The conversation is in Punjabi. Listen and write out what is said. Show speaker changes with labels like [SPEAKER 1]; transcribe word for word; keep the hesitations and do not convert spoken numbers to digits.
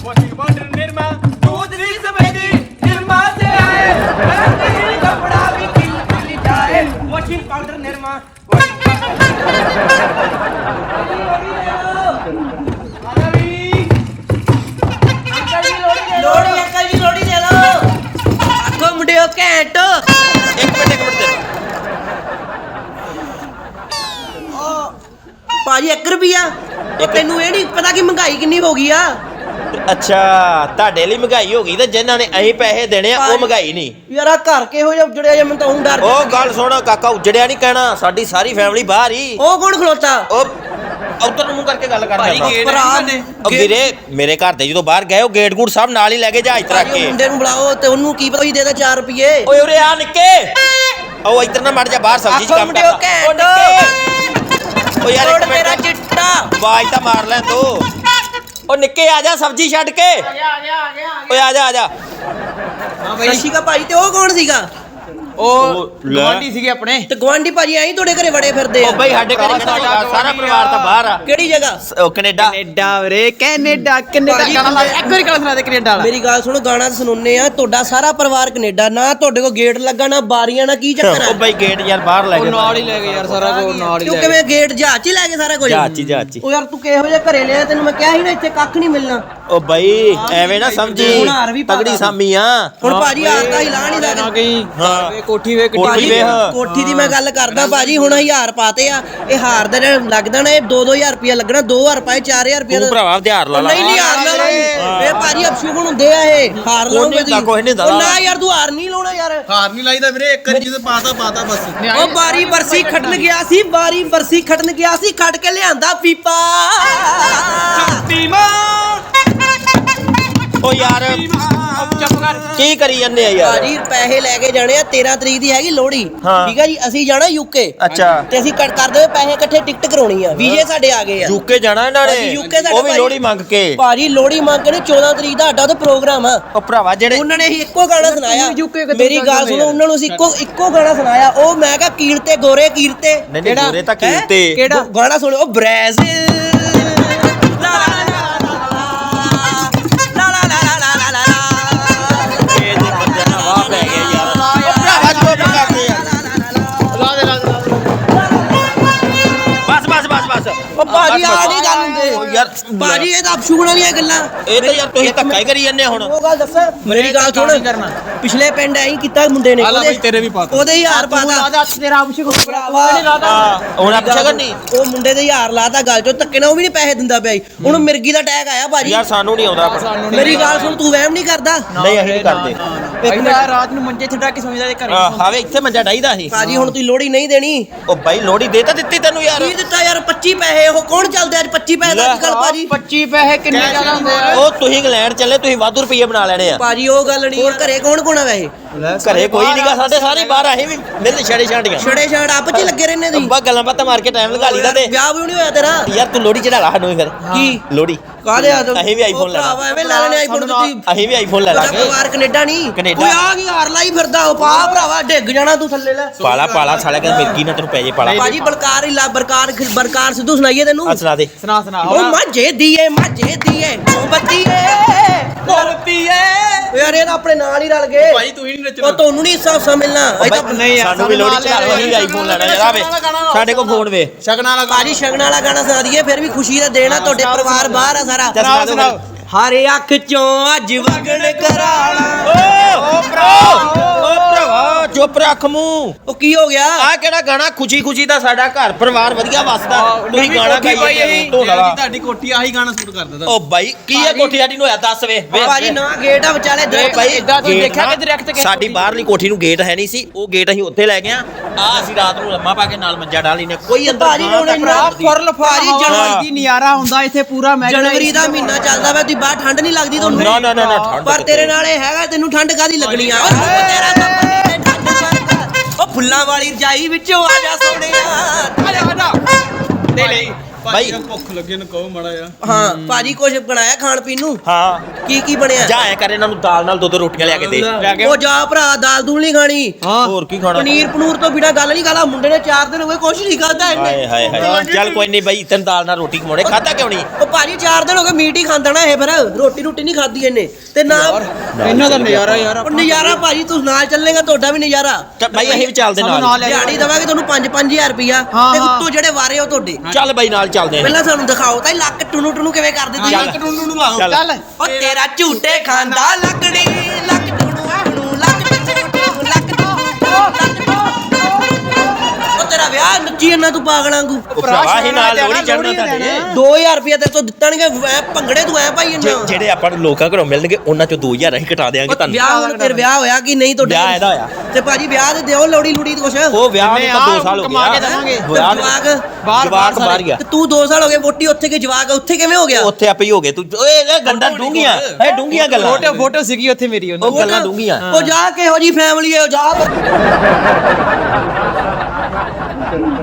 [SPEAKER 1] वॉशिंग पाउडर निरमा दूध भी सफेदी निरमा से आए कपड़ा भी खिल खिल जाए वॉशिंग पाउडर निरमा
[SPEAKER 2] ਲੋੜੀ ਅੰਕਲ ਜੀ ਲੋੜੀ ਦੇ ਦੋ ਆਖੋ ਮੁੰਡਿਓ ਘੈਂਟ
[SPEAKER 3] ਇੱਕ ਮਿੰਟ ਇੱਕ ਮਿੰਟ ਦੇ
[SPEAKER 2] ਭਾਜੀ ਇੱਕ ਰੁਪਿਆ ਉਹ ਤੈਨੂੰ ਇਹ ਨਹੀਂ ਪਤਾ ਕਿ ਮਹਿੰਗਾਈ ਕਿੰਨੀ ਹੋ ਗਈ ਆ
[SPEAKER 3] ਅੱਛਾ ਤੁਹਾਡੇ ਲਈ ਮਹਿੰਗਾਈ ਹੋ ਗਈ ਤੇ ਜਿਨ੍ਹਾਂ ਨੇ ਅਸੀਂ ਪੈਸੇ ਦੇਣੇ ਆ ਉਹ ਮਹਿੰਗਾਈ ਨਹੀਂ
[SPEAKER 2] ਯਾਰ ਆ ਘਰ ਕਿਹੋ ਜਿਹਾ ਉਜੜਿਆ ਜੇ ਮੈਨੂੰ ਤਾਂ ਹੁਣ ਡਰ
[SPEAKER 3] ਉਹ ਗੱਲ ਸੁਣ ਕਾਕਾ ਉਜੜਿਆ ਨਹੀਂ ਕਹਿਣਾ ਸਾਡੀ ਸਾਰੀ ਫੈਮਿਲੀ ਬਾਹਰ ਹੀ
[SPEAKER 2] ਉਹ ਕੌਣ ਖਲੋਤਾ
[SPEAKER 3] ਉਹ ਉਧਰ ਨੂੰ ਮੂੰਹ ਕਰਕੇ ਗੱਲ ਕਰ
[SPEAKER 1] ਭਾਈ ਗੇਟ
[SPEAKER 2] ਭਰਾ
[SPEAKER 1] ਨੇ
[SPEAKER 3] ਉਹ ਵੀਰੇ ਮੇਰੇ ਘਰ ਦੇ ਜਦੋਂ ਬਾਹਰ ਗਏ ਉਹ ਗੇਟ ਗੂਟ ਸਭ ਨਾਲ ਹੀ ਲੈ ਕੇ ਜਹਾਜ਼ ਤੇ ਰੱਖ ਕੇ
[SPEAKER 2] ਮੁੰਡੇ ਨੂੰ ਬੁਲਾਓ ਤੇ ਉਹਨੂੰ ਕੀ ਪਤਾ ਵੀ ਦੇ ਦੇ ਚਾਰ ਰੁਪਏ
[SPEAKER 3] ਓਏ ਉਰੇ ਆ ਨਿੱਕੇ ਉਹ ਇੱਧਰ ਨਾ ਮੜ ਜਾ ਬਾਹਰ ਸਬਜ਼ੀ ਚ
[SPEAKER 2] ਆਖੋ
[SPEAKER 3] ਕੰਮ
[SPEAKER 2] ਮੁੰਡਿਓ
[SPEAKER 3] ਕਰਦਾ
[SPEAKER 2] ਘੈਂਟ
[SPEAKER 3] ਓ ਯਾਰ
[SPEAKER 2] ਰੋਡ
[SPEAKER 3] ਇੱਕ
[SPEAKER 2] ਮੇਰਾ
[SPEAKER 3] ਮਿੰਟ
[SPEAKER 2] ਚਿੱਟਾ
[SPEAKER 3] ਆਵਾਜ਼ ਤਾਂ ਮਾਰ ਲੈ ਤੂੰ ਉਹ ਨਿੱਕੇ ਆ ਜਾ ਸਬਜ਼ੀ ਛੱਡ ਕੇ
[SPEAKER 1] आ जा आ जा आ जा
[SPEAKER 3] ਓਏ ਆ ਜਾ ਆ ਜਾ
[SPEAKER 1] हां
[SPEAKER 2] ਸਸ਼ੀ ਕਾ ਭਾਈ ਤੇ ਉਹ ਕੌਣ ਸੀਗਾ
[SPEAKER 1] ਉਹ
[SPEAKER 3] ਲੈ।
[SPEAKER 1] ਗਵਾਂਢੀ ਸੀਗੇ ਆਪਣੇ
[SPEAKER 2] ਤੇ ਗਵਾਂਢੀ ਭਾਜੀ ਐਂ ਤੁਹਾਡੇ ਘਰੇ ਵੜੇ ਫਿਰਦੇ
[SPEAKER 3] ਉਹ
[SPEAKER 2] ਆ
[SPEAKER 3] ਬਈ ਸਾਡੇ ਘਰੇ ਕਿਹੜਾ ਹੈਗਾ? ਸਾਰਾ ਪਰਿਵਾਰ ਤਾਂ ਬਾਹਰ ਆ
[SPEAKER 2] ਕਿਹੜੀ ਜਗ੍ਹਾ
[SPEAKER 3] ਉਹ ਕੈਨੇਡਾ
[SPEAKER 1] ਕੈਨੇਡਾ ਵੀਰੇ ਕੈਨੇਡਾ ਕੈਨੇਡਾ
[SPEAKER 2] ਭਾਜੀ,
[SPEAKER 1] ਗਾਣਾ ਲਾ ਇੱਕ ਵਾਰੀ ਗਾਣਾ ਸੁਣਾ ਦੇ ਕੈਨੇਡਾ ਵਾਲਾ
[SPEAKER 2] ਮੇਰੀ ਗੱਲ ਸੁਣੋ ਗਾਣਾ ਤਾਂ ਸੁਣਾਉਨੇ ਆ ਤੁਹਾਡਾ ਸਾਰਾ ਪਰਿਵਾਰ ਕੈਨੇਡਾ ਨਾ ਤੁਹਾਡੇ ਕੋਲ ਗੇਟ ਲੱਗਾ ਨਾ ਬਾਰੀਆਂ ਨਾ ਕੀ ਚੱਕਰ
[SPEAKER 3] ਉਹ
[SPEAKER 2] ਆ
[SPEAKER 3] ਬਈ ਗੇਟ ਯਾਰ ਬਾਹਰ ਲੈ
[SPEAKER 1] ਉਹ
[SPEAKER 3] ਕੇ
[SPEAKER 1] ਨਾਲ ਹੀ ਲੈ ਗਏ ਯਾਰ ਸਾਰਾ ਕੁਝ ਨਾਲ ਹੀ
[SPEAKER 2] ਤੂੰ
[SPEAKER 1] ਲੈ
[SPEAKER 2] ਕਿਵੇਂ ਗੇਟ ਜਹਾਜ਼ 'ਚ ਹੀ ਲੈ ਕੇ ਸਾਰਾ ਕੁਝ
[SPEAKER 3] ਜਾਚੀ ਜਾਚੀ
[SPEAKER 2] ਉਹ ਯਾਰ ਤੂੰ ਕਿਹੋ ਜਿਹਾ ਘਰੇ ਲਿਆ ਤੈਨੂੰ ਮੈਂ ਕਿਹਾ ਸੀ ਨਾ ਇੱਥੇ ਕੱਖ ਨਹੀਂ ਮਿਲਣਾ
[SPEAKER 3] ਉਹ ਬਈ ਐਵੇਂ ਨਾ ਸਮਝੀ
[SPEAKER 2] ਹੁਣ ਹਾਰ ਵੀ ਪਾ
[SPEAKER 3] ਤਗੜੀ
[SPEAKER 2] ਤਾ।
[SPEAKER 3] ਸਾਮੀ ਆ
[SPEAKER 2] ਹੁਣ ਭਾਜੀ ਆਤਾ ਹੀ ਲਾ ਨਹੀਂ
[SPEAKER 1] ਨਾ
[SPEAKER 2] ਸਕਦਾ
[SPEAKER 1] ਗਈ
[SPEAKER 3] ਹਾਂ।
[SPEAKER 1] ਵੇ ਕੋਠੀ ਵੇ
[SPEAKER 3] ਕੋਠੀ
[SPEAKER 2] ਭਾਜੀ,
[SPEAKER 3] ਵੇਖ।
[SPEAKER 2] ਕੋਠੀ ਦੀ ਮੈਂ ਗੱਲ ਕਰਦਾ ਭਾਜੀ ਹੁਣ ਹਜ਼ਾਰ ਪਾਤੇ ਆ ਇਹ ਹਾਰ ਦੇ ਨਾਲ ਲੱਗਦਾ ਨਾ ਇਹ ਦੋ ਦੋ ਹਜ਼ਾਰ ਰੁਪਇਆ ਲੱਗਣਾ ਦੋ ਹਜ਼ਾਰ ਪਾਏ ਚਾਰ ਹਜ਼ਾਰ ਰੁਪਇਆ
[SPEAKER 3] ਤੂੰ ਭਰਾਵਾ ਧਿਆਨ ਲਾ ਲਾ
[SPEAKER 2] ਨਹੀਂ ਨਹੀਂ ਹਾਰ ਲਾ
[SPEAKER 3] ਹਾਂ।
[SPEAKER 2] ਇਹ ਭਾਜੀ ਅਪਸ਼ੂਗਣ ਹੁੰਦੇ ਆ ਇਹ ਹਾਰ
[SPEAKER 3] ਕੋਈ
[SPEAKER 2] ਲਾਉਂਗੇ
[SPEAKER 3] ਨਹੀਂ ਹੁੰਦਾ, ਕੋਈ ਨਹੀਂ ਹੁੰਦਾ।
[SPEAKER 2] ਉਹ ਨਾ ਯਾਰ ਤੂੰ ਹਾਰ ਨਹੀਂ ਲਾਉਣਾ ਯਾਰ
[SPEAKER 4] ਹਾਰ ਨਹੀਂ ਲਾਈਦਾ ਵੀਰੇ ਇੱਕ ਵਾਰੀ ਜਦੋਂ ਪਾਤਾ ਪਾਤਾ ਬਸ
[SPEAKER 2] ਉਹ ਬਾਰੀ ਬਰਸੀ ਖੱਟਣ ਗਿਆ ਸੀ ਬਾਰੀ ਬਰਸੀ ਖੱਟਣ ਗਿਆ ਸੀ ਖੱਟ ਕੇ ਲਿਆਂਦਾ ਪੀਪਾ
[SPEAKER 3] ਉਹ ਯਾਰ
[SPEAKER 1] ਚੁੱਪ ਕਰ
[SPEAKER 3] ਕੀ ਕਰੀ ਜਾਂਦੇ ਆ ਯਾਰ
[SPEAKER 2] ਭਾਜੀ ਪੈਸੇ ਲੈ ਕੇ ਜਾਣੇ ਆ ਤੇਰਾਂ ਤਰੀਕ ਦੀ ਹੈਗੀ ਲੋਹੜੀ
[SPEAKER 3] ਹਾਂ।
[SPEAKER 2] ਠੀਕ ਆ ਜੀ ਅਸੀਂ ਜਾਣਾ ਯੂਕੇ
[SPEAKER 3] ਅੱਛਾ
[SPEAKER 2] ਤੇ ਅਸੀਂ ਕੱਟ ਕਰਦੇ ਹੋਏ ਪੈਸੇ ਇਕੱਠੇ ਟਿਕਟ ਕਰਾਉਣੀ ਆ ਵੀਜ਼ੇ ਸਾਡੇ ਆ ਗਏ ਆ
[SPEAKER 3] ਯੂਕੇ ਜਾਣਾ ਇਹਨਾਂ
[SPEAKER 2] ਭਾਜੀ,
[SPEAKER 3] ਨੇ
[SPEAKER 2] ਯੂਕੇ ਸਾਡਾ
[SPEAKER 3] ਉਹ ਵੀ
[SPEAKER 2] ਭਾਜੀ-
[SPEAKER 3] ਲੋਹੜੀ ਮੰਗ ਕੇ
[SPEAKER 2] ਭਾਜੀ ਲੋਹੜੀ ਮੰਗ ਕੇ ਨੇ ਚੌਦਾਂ ਤਰੀਕ ਦਾ ਸਾਡਾ ਉਹਦਾ ਪ੍ਰੋਗਰਾਮ ਆ
[SPEAKER 3] ਉਹ ਭਰਾਵਾ ਜਿਹੜੇ
[SPEAKER 2] ਉਹਨਾਂ ਨੇ ਹੀ ਇੱਕੋ ਗਾਣਾ ਸੁਣਾਇਆ
[SPEAKER 1] ਯੂਕੇ ਕਿੱਥੋਂ
[SPEAKER 2] ਮੇਰੀ
[SPEAKER 1] ਚੱਲ
[SPEAKER 2] ਗੱਲ
[SPEAKER 1] ਜਾਂਦੇ
[SPEAKER 2] ਸੁਣੋ
[SPEAKER 1] ਯਾਰ?
[SPEAKER 2] ਉਹਨਾਂ ਨੂੰ ਅਸੀਂ ਇੱਕੋ ਇੱਕੋ ਗਾਣਾ ਸੁਣਾਇਆ ਉਹ ਮੈਂ ਕਿਹਾ ਕੀਰਤੇ ਗੋਰੇ ਕੀਰਤੇ
[SPEAKER 3] ਨਹੀਂ ਨਹੀਂ ਗੋਰੇ ਤਾਂ
[SPEAKER 2] ਹੈਂ?
[SPEAKER 3] ਕੀਤੇ
[SPEAKER 1] ਕਿਹੜਾ?
[SPEAKER 2] ਗਾਣਾ ਸੁਣੋ ਉਹ ਬ੍ਰਾਜ਼ੀਲ ਲਾ ਲਾ ਲਾ ਲਾ ਲਾ ਲਾ ਲਾ ਲਾ ਲਾ ਲਾ
[SPEAKER 3] ਇਹ ਜੇ ਬੰਦੇ ਨਾਲ ਵਾਹ ਪੈ ਗਿਆ ਯਾਰ ਉਹ ਭਰਾਵਾ ਚੁੱਪ ਕਰਦੇ ਯਾਰ
[SPEAKER 1] ਲਾ ਦੇ ਲਾ ਦੇ
[SPEAKER 3] ਬਸ ਬਸ ਬਸ ਬਸ
[SPEAKER 2] ਉਹ ਭਾਜੀ ਆ ਨਹੀਂ ਗੱਲ ਹੁੰਦੇ
[SPEAKER 3] ਉਹ ਯਾਰ
[SPEAKER 2] ਭਾਜੀ ਇਹ ਤਾਂ ਅਪਸ਼ੂਗਣ ਵਾਲੀਆਂ ਗੱਲਾਂ
[SPEAKER 3] ਇਹ ਤਾਂ ਯਾਰ ਤੁਸੀਂ ਧੱਕਾ ਹੀ ਕਰੀ ਜਾਂਦੇ ਹੁਣ
[SPEAKER 2] ਉਹ ਗੱਲ ਦੱਸਾਂ ਮੇਰੀ ਗੱਲ
[SPEAKER 1] ਧੱਕਾ ਨਹੀਂ
[SPEAKER 2] ਸੁਣ
[SPEAKER 1] ਕਰਨਾ।
[SPEAKER 2] ਪਿਛਲੇ ਪਿੰਡ ਐਂ ਕੀਤਾ ਮੁੰਡੇ ਨੇ
[SPEAKER 4] ਆ ਲੈ
[SPEAKER 2] ਉਹਦੇ-
[SPEAKER 4] ਬਈ ਤੇਰੇ ਵੀ ਪਾਤਾ।
[SPEAKER 2] ਉਹਦੇ ਹਜ਼ਾਰ ਪਾਤਾ
[SPEAKER 1] ਲਾਦਾ ਤੇਰਾ ਅਭਿਸ਼ੇਕ
[SPEAKER 2] ਭਰਾਵਾ
[SPEAKER 3] ਹਾਂ ਹੁਣ ਆਪ ਸ਼ਗਨ ਨਹੀਂ
[SPEAKER 2] ਉਹ ਮੁੰਡੇ ਦੇ ਹਜ਼ਾਰ ਲਾਤਾ ਗੱਲ ਚੋਂ ਧੱਕੇ ਨਾਲ ਉਹ ਵੀ ਨਹੀਂ ਪੈਸੇ ਦਿੰਦਾ ਪਿਆ ਸੀ। ਉਹਨੂੰ ਮਿਰਗੀ ਦਾ ਅਟੈਕ ਆਇਆ ਭਾਜੀ
[SPEAKER 3] ਯਾਰ ਸਾਨੂੰ ਨਹੀਂ ਆਉਂਦਾ ਪਰ
[SPEAKER 1] ਸਾਨੂੰ
[SPEAKER 2] ਮੇਰੀ ਗੱਲ ਸੁਣ ਤੂੰ ਵਹਿਮ ਨਹੀਂ ਕਰਦਾ
[SPEAKER 3] ਨਹੀਂ ਅਸੀਂ ਨਹੀਂ ਕਰਦੇ
[SPEAKER 1] ਇੱਕ ਮਿੰਟ ਰਾਤ ਨੂੰ ਮੰਜੇ ਛੱਡਾ ਕੇ ਸੌਂਦਾ ਤੇ ਘਰੇ
[SPEAKER 3] ਆਹ, ਹਾਵੇ ਇੱਥੇ ਮੰਜਾ ਡਾਈਦਾ ਸੀ
[SPEAKER 2] ਭਾਜੀ ਹੁਣ ਤੁਸੀਂ ਲੋੜੀ ਨਹੀਂ ਦੇਣੀ
[SPEAKER 3] ਉਹ ਬਾਈ ਲੋੜੀ ਦੇ ਤਾਂ ਦਿੱਤੀ ਤੈਨੂੰ ਯਾਰ
[SPEAKER 2] ਕੀ ਦਿੱਤਾ ਯਾਰ ਪੱਚੀ ਪੈਸੇ ਉਹ ਕੌਣ ਚੱਲਦੇ ਅੱਜ ਪੱਚੀ ਪੈਸੇ ਦਾ ਅੱਜ ਕੱਲ ਭਾਜੀ
[SPEAKER 1] ਪੱਚੀ ਪੈਸੇ ਕਿੰਨੇ ਜ਼ਿਆਦਾ ਹੁੰਦੇ ਆ
[SPEAKER 3] ਉਹ ਤੁਸੀਂ ਇੰਗਲੈਂਡ ਚੱਲੇ ਤੁਸੀਂ ਵਾਧੂ ਰੁਪਏ ਬਣਾ ਲੈਣੇ ਆ
[SPEAKER 2] ਭਾਜੀ ਉਹ ਗੱਲ ਨਹੀਂ ਹੋਰ ਘਰੇ ਕੌਣ ਕੋਣਾ ਵੈਸੇ
[SPEAKER 3] ਘਰੇ ਕੋਈ ਨਹੀਂਗਾ ਸਾਡੇ ਸਾਰੇ ਬਾਹਰ ਅਸੀਂ ਵੀ ਮਿਲ ਛੜੇ ਛਾਂਡੀਆਂ
[SPEAKER 2] ਛੜੇ ਛੜ ਆਪ ਚ ਹੀ ਲੱਗੇ ਰਹਿੰਦੇ ਤੁਸੀਂ
[SPEAKER 3] ਅੱਬਾ ਗੱਲਾਂ ਬਾਤਾਂ ਮਾਰ ਕੇ ਟਾਈਮ ਲਗਾ ਲਈਦਾ ਤੇ
[SPEAKER 2] ਵਿਆਹ ਵੀ ਨਹੀਂ ਹੋਇਆ ਤੇਰਾ
[SPEAKER 3] ਯਾਰ ਤੂੰ ਲੋੜੀ ਚੜਾ ਲਾ ਸਾਨੂੰ ਵੀ ਫਿਰ
[SPEAKER 2] ਕੀ
[SPEAKER 3] ਲੋੜੀ
[SPEAKER 2] ਕਾਹਦੇ ਆ ਤੂੰ
[SPEAKER 3] ਅਸੀਂ ਵੀ iPhone ਲੈਣਾ।
[SPEAKER 2] ਭਰਾਵਾ ਐਵੇਂ ਲੈ ਲੈਣੇ ਆਈਫੋਨ ਤੁਸੀਂ
[SPEAKER 3] ਅਸੀਂ ਵੀ ਆਈਫੋਨ ਲੈ
[SPEAKER 2] ਉਹਦਾ
[SPEAKER 3] ਲਾਂਗੇ
[SPEAKER 2] ਪਰਿਵਾਰ ਕੈਨੇਡਾ ਨਹੀਂ
[SPEAKER 3] ਕੈਨੇਡਾ।
[SPEAKER 2] ਓਏ ਆ ਕੀ ਹਾਰ ਲਾਈ ਫਿਰਦਾ ਉਹ ਪਾ ਭਰਾਵਾ ਡਿੱਗ ਜਾਣਾ ਤੂੰ ਥੱਲੇ ਲੈ
[SPEAKER 3] ਪਾਲਾ ਪਾਲਾ ਸਾਲਾ ਕਹਿੰਦਾ ਮਿਰਗੀ ਨਾ ਤੈਨੂੰ ਪੈ ਜੇ ਪਾਲਾ
[SPEAKER 2] ਭਾਜੀ ਬਲਕਾਰ ਹੀ ਲਾ ਬਰਕਾਰ ਬਰਕਾਰ ਸਿੱਧੂ ਸੁਣਾਈਏ ਤੈਨੂੰ
[SPEAKER 3] ਆ ਸੁਣਾ ਦੇ
[SPEAKER 1] ਸੁਣਾ ਸੁਣਾ
[SPEAKER 2] ਉਹ ਮਾਝੇ ਦੀਏ ਮਾਝੇ ਦੀਏ ਮੋਮਬੱਤੀ ਏ
[SPEAKER 1] ਬੋਲਤੀ ਏ
[SPEAKER 2] ਯਾਰ ਇਹ ਤਾਂ ਆਪਣੇ ਨਾਲ ਹੀ ਰਲ ਗਏ
[SPEAKER 4] ਭਾਈ ਤੂੰ ਹੀ ਨਹੀਂ ਨੱਚਣਾ
[SPEAKER 2] ਉਹ ਤੁਹਾਨੂੰ ਨਹੀਂ ਹਿੱਸਾ ਹਿੱਸਾ ਮਿਲਣਾ
[SPEAKER 3] ਉਹ
[SPEAKER 2] ਅਸੀਂ ਤਾਂ
[SPEAKER 3] ਬਾਈ,
[SPEAKER 1] ਨਹੀਂ ਯਾਰ,
[SPEAKER 3] ਸਾਨੂੰ ਵੀ ਲੋੜੀ
[SPEAKER 1] ਸਾਨੂੰ
[SPEAKER 3] ਚੜਾ ਲਓ ਅਸੀਂ ਵੀ ਆਈਫੋਨ ਲੈਣਾ ਯਾਰ ਆਵੇ ਸਾਡੇ ਕੋਲ ਫੋਨ ਵੇ
[SPEAKER 4] ਸ਼ਗਨਾਂ ਵਾਲਾ
[SPEAKER 2] ਭਾਜੀ ਸ਼ਗਨ ਵਾਲਾ ਗਾਣਾ ਸੁਣਾ ਦਈਏ ਫਿਰ ਵੀ ਖੁਸ਼ੀ ਦਾ ਦੇਣਾ ਤੁਹਾਡੇ ਪਰਿਵਾਰ ਬਾਹਰ ਆ ਸਾਰਾ
[SPEAKER 3] ਸੁਣਾ ਦਿਓ ਫਿਰ।
[SPEAKER 2] ਹਰ ਅੱਖ ਚੋਂ ਅੱਜ ਵਗਣ ਕਰਾਣਾ
[SPEAKER 3] ਓ ਭਰਾ ਓ ਭਰਾਵਾ ਚੁੱਪ ਰੱਖ ਮੂੰਹ
[SPEAKER 2] ਉਹ ਕੀ ਹੋ ਗਿਆ
[SPEAKER 3] ਆ ਕਿਹੜਾ ਗਾਣਾ ਖੁਸ਼ੀ ਖੁਸ਼ੀ ਦਾ ਸਾਡਾ ਘਰ ਪਰਿਵਾਰ ਵਧੀਆ ਵਸਦਾ ਤੁਸੀਂ ਗਾਣਾ ਗਾਈ ਜਾਂਦੇ ਹੋ ਢੋਲ ਵਾਲਾ
[SPEAKER 4] ਤੁਹਾਡੀ ਕੋਠੀ ਆਹੀ ਗਾਣਾ ਸ਼ੂਟ ਕਰ ਦਿੰਦਾ
[SPEAKER 3] ਓ ਬਾਈ ਕੀ ਹੈ ਕੋਠੀ ਸਾਡੀ ਨੂੰ ਹੋਇਆ ਦੱਸ ਵੇ ਵੇ
[SPEAKER 2] ਭਾਜੀ ਨਾ ਗੇਟ ਆ ਵਿਚਾਲੇ
[SPEAKER 3] ਵੇ
[SPEAKER 2] ਦਰਖਤ
[SPEAKER 3] ਬਾਈ
[SPEAKER 1] ਏਦਾਂ ਤੂੰ
[SPEAKER 3] ਗੇਟ
[SPEAKER 1] ਦੇਖਿਆ
[SPEAKER 3] ਨਾ,
[SPEAKER 1] ਕਿ direct ਕਿ-
[SPEAKER 3] ਸਾਡੀ ਬਾਹਰਲੀ ਕੋਠੀ ਨੂੰ ਗੇਟ ਹੈ ਨਹੀਂ ਸੀ ਉਹ ਗੇਟ ਅਸੀਂ ਉੱਥੇ ਲੈ ਗਏ ਆ ਆ ਅਸੀਂ ਰਾਤ ਨੂੰ ਲੰਮਾ ਪਾ ਕੇ ਨਾਲ ਮੰਜਾ ਡਾਲੀ ਨੇ ਕੋਈ ਅੰਦਰ
[SPEAKER 2] ਭਾਜੀ
[SPEAKER 3] ਗਾਂ
[SPEAKER 2] ਹੁਣ
[SPEAKER 3] ਤੱਕ
[SPEAKER 2] ਇੰਨਾ
[SPEAKER 3] ਨਾ
[SPEAKER 1] ਭਰਾ ਫੁਰਲ
[SPEAKER 2] ਭਾਜੀ
[SPEAKER 1] ਫਾਰੀ
[SPEAKER 2] ਜਨਵਰੀ
[SPEAKER 1] ਜਨਵਰੀ ਦੀ ਨਜ਼ਾਰਾ ਹੁੰਦਾ ਇੱਥੇ ਪੂਰਾ ਮੈਂ
[SPEAKER 2] ਜਨਵਰੀ ਦਾ ਮਹੀਨਾ ਚੱਲਦਾ ਵਾ ਤੁਸੀਂ ਬਾਹਰ ਠੰਡ ਨਹੀਂ ਲੱਗਦੀ ਤੁਹਾਨੂੰ
[SPEAKER 3] ਨਾ ਨਾ ਨਾ ਨਾ ਠੰਡ
[SPEAKER 2] ਪਰ
[SPEAKER 3] ਕਿੱਥੇ।
[SPEAKER 2] ਤੇਰੇ ਨਾਲ ਇਹ ਹੈਗਾ ਤੈਨੂੰ ਠੰਡ ਕਾਦੀ ਲੱਗਣੀ ਆ ਓਏ ਤੇਰਾ ਤਾਂ ਪਤੀ ਨੇ ਠੰਡ ਵਰਗਾ ਉਹ ਫੁੱਲਾਂ ਵਾਲੀ ਰਜਾਈ ਵਿੱਚੋਂ ਆ ਜਾ ਸੋਹਣਿਆ
[SPEAKER 1] ਆ ਜਾ ਆ ਜਾ
[SPEAKER 4] ਨਹੀਂ ਨਹੀਂ
[SPEAKER 3] ਬਾਈ
[SPEAKER 4] ਭੁੱਖ ਲੱਗੇ ਨੂੰ ਕਹੋ ਮਾੜਾ ਜਿਹਾ
[SPEAKER 2] ਹਾਂ ਭਾਜੀ ਕੁਝ ਬਣਾਇਆ ਖਾਣ ਪੀਣ ਨੂੰ
[SPEAKER 3] ਹਾਂ
[SPEAKER 2] ਕੀ ਕੀ ਬਣਿਆ
[SPEAKER 3] ਜਾ ਐ ਕਰ ਇਹਨਾਂ ਨੂੰ ਦਾਲ ਨਾਲ ਦੋ ਦੋ ਰੋਟੀਆਂ ਲਿਆ ਕੇ ਦੇ
[SPEAKER 4] ਲੈ ਕੇ
[SPEAKER 2] ਉਹ ਜਾ ਭਰਾ ਦਾਲ ਦੂਲ ਨਹੀਂ ਖਾਣੀ
[SPEAKER 3] ਹੋਰ ਕੀ ਖਾਣਾ
[SPEAKER 2] ਪਨੀਰ ਪਨੂਰ ਤੋਂ ਬਿਨਾ ਗੱਲ ਨਹੀਂ ਖਾਲਾ ਮੁੰਡੇ ਨੇ ਚਾਰ ਦਿਨ ਹੋ ਗਏ ਕੁਛ ਨਹੀਂ ਖਾਦਾ ਇਹਨੇ
[SPEAKER 3] ਹਾਏ ਹਾਏ ਹਾਏ ਚੱਲ ਕੋਈ ਨਹੀਂ ਬਾਈ ਤੈਨੂੰ ਦਾਲ ਨਾਲ ਰੋਟੀ ਖਵਾਉਣੇ ਖਾਦਾ ਕਿਉਂ ਨਹੀਂ
[SPEAKER 2] ਉਹ ਭਾਜੀ ਚਾਰ ਦਿਨ ਹੋ ਗਏ ਮੀਟ ਹੀ ਖਾਂਦਾ ਨਾ ਇਹ ਫਿਰ ਰੋਟੀ ਰੋਟੀ ਨਹੀਂ ਖਾਦੀ ਇਹਨੇ ਤੇ ਨਾ
[SPEAKER 4] ਇਹਨਾਂ ਦਾ ਨਜ਼ਾਰਾ ਯਾਰ
[SPEAKER 2] ਉਹ ਨਜ਼ਾਰਾ ਭਾਜੀ ਤੂੰ ਨਾਲ ਚੱਲੇਗਾ ਤੁਹਾਡਾ ਵੀ ਨਜ਼ਾਰਾ
[SPEAKER 3] ਚੱਲ ਬਾਈ ਅਸੀਂ ਵੀ ਚੱਲਦੇ ਨਾਲ
[SPEAKER 2] ਦਿਹਾੜੀ ਦਵਾਂਗੇ ਤੁਹਾਨੂੰ ਪੰਜ ਪੰਜ ਹਜ਼ਾਰ ਰੁਪਿਆ ਤੇ ਉੱਤੋਂ ਜਿਹੜੇ ਵਾਰੇ ਹੋ ਤੁਹਾਡੇ
[SPEAKER 3] ਚੱਲ ਬਾਈ ਨਾਲ ਚੱਲਦੇ ਆਂ
[SPEAKER 2] ਪਹਿਲਾਂ ਸਾਨੂੰ ਦਿਖਾਓ ਤਾਂ ਇਹ ਲੱਕ ਟੁਨੂ ਟੁਨੂ ਕਿਵੇਂ ਕਰਦੇ ਤੁਸੀਂ
[SPEAKER 3] ਚੱਲ।
[SPEAKER 2] ਲੱਕ ਟੁਨੂ ਟੁਨੂ ਲਾਓ
[SPEAKER 3] ਚੱਲ।
[SPEAKER 2] ਚੱਲ ਉਹ ਤੇਰਾ ਝੂਟੇ ਖਾਂਦਾ ਲੱਕੜੀ ਲੱਕ ਟੁਨੂ ਟੁਨੂ ਲੱਕ ਟੁਨੂ ਟੁਨੂ ਲੱਕ ਟੁਨੂ ਟੁਨੂ, ਲੱਕ ਟੁਨੂ ਟੁਨੂ। ਉਹ ਤੇਰਾ ਵਿਆਹ ਨੱਚੀ ਇਹਨਾਂ ਤੂੰ ਪਾਗਲਾਂ ਵਾਂਗੂ
[SPEAKER 3] ਉਹ ਭਰਾਵਾ ਅਸੀਂ ਨਾਲ ਲੋੜੀ ਚੜਨਾ ਤੁਹਾਡੇ
[SPEAKER 2] ਦੋ ਹਜ਼ਾਰ ਰੁਪਿਆ ਤੇਰੇ ਤੋਂ ਦਿੱਤਣਗੇ ਐ ਭੰਗੜੇ ਤੂੰ ਐ ਭਾਈ ਇਹਨਾਂ
[SPEAKER 3] ਜੇ- ਜਿਹੜੇ ਆਪਾਂ ਨੂੰ ਲੋਕਾਂ ਘਰੋਂ ਮਿਲਣਗੇ ਉਹਨਾਂ ਚੋਂ ਦੋ ਹਜ਼ਾਰ ਅਸੀਂ ਘਟਾ ਦੇਾਂਗੇ ਤੁਹਾਨੂੰ
[SPEAKER 2] ਵਿਆਹ ਹੁਣ ਤੇਰੇ ਵਿਆਹ ਹੋਇਆ ਕਿ ਨਹੀਂ ਤੁਹਾਡੇ
[SPEAKER 3] ਵਿਆਹ ਇਹਦਾ ਹੋਇਆ
[SPEAKER 2] ਤੇ ਭਾਜੀ ਵਿਆਹ ਤੇ ਦਿਓ ਲੋੜੀ ਲੂੜੀ ਕੁਛ
[SPEAKER 3] ਉਹ ਵਿਆਹ ਨੂੰ ਤਾਂ ਦੋ ਸਾਲ ਹੋ
[SPEAKER 4] ਕਮਾ ਕੇ
[SPEAKER 3] ਗਿਆ
[SPEAKER 4] ਦੇਵਾਂਗੇ।
[SPEAKER 3] ਵਿਆਹ ਨੂੰ-
[SPEAKER 2] ਜਵਾਕ
[SPEAKER 3] ਬਾਹਰ ਬਾਹਰ ਗਿਆ
[SPEAKER 2] ਤੇ ਤੂੰ ਦੋ ਸਾਲ ਹੋ ਗਏ ਵੋਟੀ ਉੱਥੇ ਕੇ ਜਵਾਕ ਉੱਥੇ ਕਿਵੇਂ ਹੋ ਗਿਆ
[SPEAKER 3] ਉੱਥੇ ਆਪੇ ਹੀ ਹੋ ਗਏ ਤੂੰ ਓਏ ਇਹ ਗੰਡਾ ਡੂੰਗੀਆਂ ਇਹ ਡੂੰਗੀਆਂ ਗੱਲਾਂ
[SPEAKER 4] ਫੋਟੋ ਫੋਟੋ ਸੀਗੀ ਉੱਥੇ ਮੇਰੀ ਉਹਨਾਂ
[SPEAKER 3] ਉਹ ਗੱਲਾਂ ਡੂੰਗੀਆਂ
[SPEAKER 2] ਉਹ ਜਾ ਕਿਹੋ ਜੀ ਫੈਮਿਲੀ ਹੈ ਉਹ ਜਾ